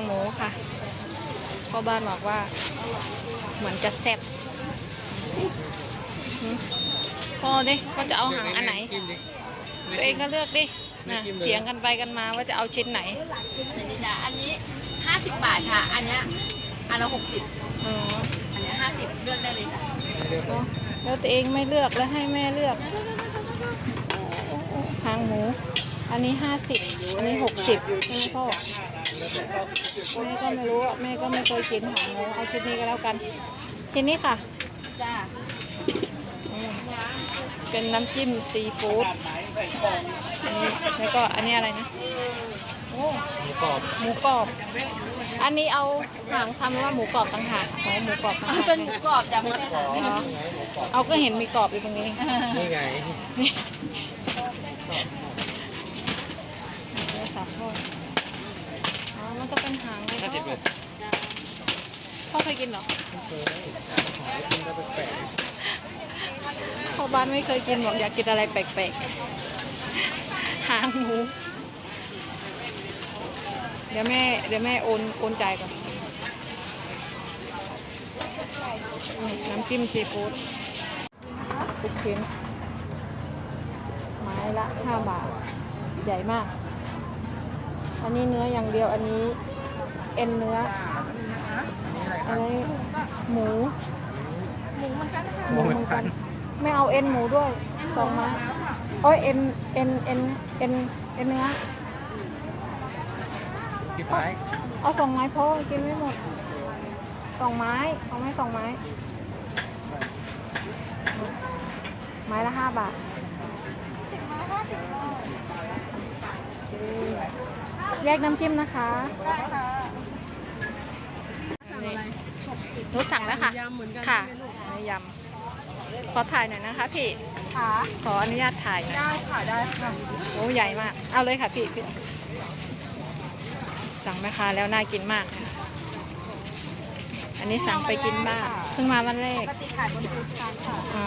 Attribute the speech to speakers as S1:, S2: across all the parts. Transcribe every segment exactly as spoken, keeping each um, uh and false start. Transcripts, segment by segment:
S1: หมูค่ะพ่อบ้านบอกว่าเหมือนจะแซ่บพ่อดิก็จะเอาหางอันไหนตัวเองก็เลือกดินะเถียงกันไปกันมาว่าจะเอาชิ้นไหน
S2: นี่จ้ะอันนี้ห้าสิบบาทค่ะ อันเนี้ยอันละหกสิบ
S1: อ๋อ
S2: อันเนี้ยห้าสิบเลือกได้เลยจ้ะ
S1: แล้วตัวเองไม่เลือกแล้วให้แม่เลือกหางหมูอันนี้ห้าสิบอันนี้หกสิบใช่ไหมพ่อแม่ก็ไม่รู้แม่ก็ไม่เคยกินหางหมูเอาชิ้นนี้ก็แล้วกันชิ้นนี้ค่ะ
S2: จ้า
S1: เป็นน้ำจิ้มซีฟู้ดอันนี้แล้วก็อันนี้อะไรนะโอ้หมูกรอบหมูกรอบอันนี้เอาหางทำว่าหมูกรอบต่างหากอ๋อหมูกรอบต่างหาก
S2: เป็นหมูกรอบจ้ะไม่ใช่หาง
S1: เอาก็เห็นมีกรอบอยู่ตรงนี้
S3: นี่ไง
S1: สับทอดอ๋อมันก็เป็นหางเลยพ่อเคยกินเหรอพ่อบ้านไม่เคยกินบอกอยากกินอะไรแปลกๆหางหมูเดี๋ยวแม่เดี๋ยวแม่โอนโอนจ่ายก่อนน้ำจิ้มซีฟู้ดทุกชิ้นไม้ละห้าบาทใหญ่มากอันนี้เนื้ออย่างเดียวอันนี้เอ็นเนื้ออันนี้หมู
S2: หมูเหมือนกันค่ะ
S1: หมูเหมือนกันไม่เอาเอ็นหมูด้วยสองไม้โอ้ยเอ็นเอ็นเอ็นเอ็นเอ็นเนื้อ
S3: กี่ไม้
S1: เอาสองไม้พอกินไม่หมดสองไม้เอาไหมสองไม้ไม้ละห้าบาทแยกน้ำจิ้มนะคะ
S2: ได้ค่ะ
S1: นุชสั่งแล้วค่ะค่ะยำขอถ่ายหน่อยนะคะพี่
S2: ค่ะ
S1: ขออนุญาตถ่าย
S2: ได้ค่ะได้ค่ะ
S1: โอ้ใหญ่มากเอาเลยค่ะพี่พี่สั่งแม่ค้าแล้วน่ากินมากอันนี้สั่งไปกินบ้างเพิ่งมาวันแรก
S2: ปกติขายบนฟู้ดทานค่ะ
S1: อ๋อ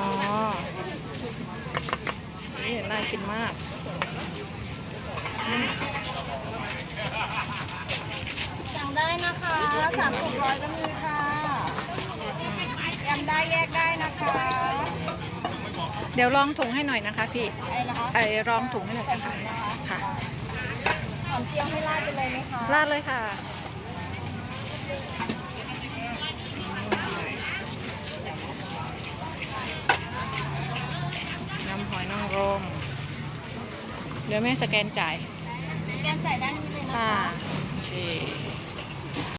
S1: นี่น่ากินมาก
S2: สั่งได้นะคะสามถุงร้อยก็มีค่ะยำได้แยกได้นะคะ
S1: เดี๋ยวลองถุงให้หน่อยนะคะพี่
S2: ไอ้นะคะ
S1: ไอ้รองถุงให้หน่อยค่ะค่ะ
S2: หอมเจียวให้ราดไปเลยไหมคะ
S1: ราดเลยค่ะน้ำหอยนางรมเดี๋ยวแม่สแกนจ่าย
S2: สแกนจ่ายด้านนี้เลยนะคะ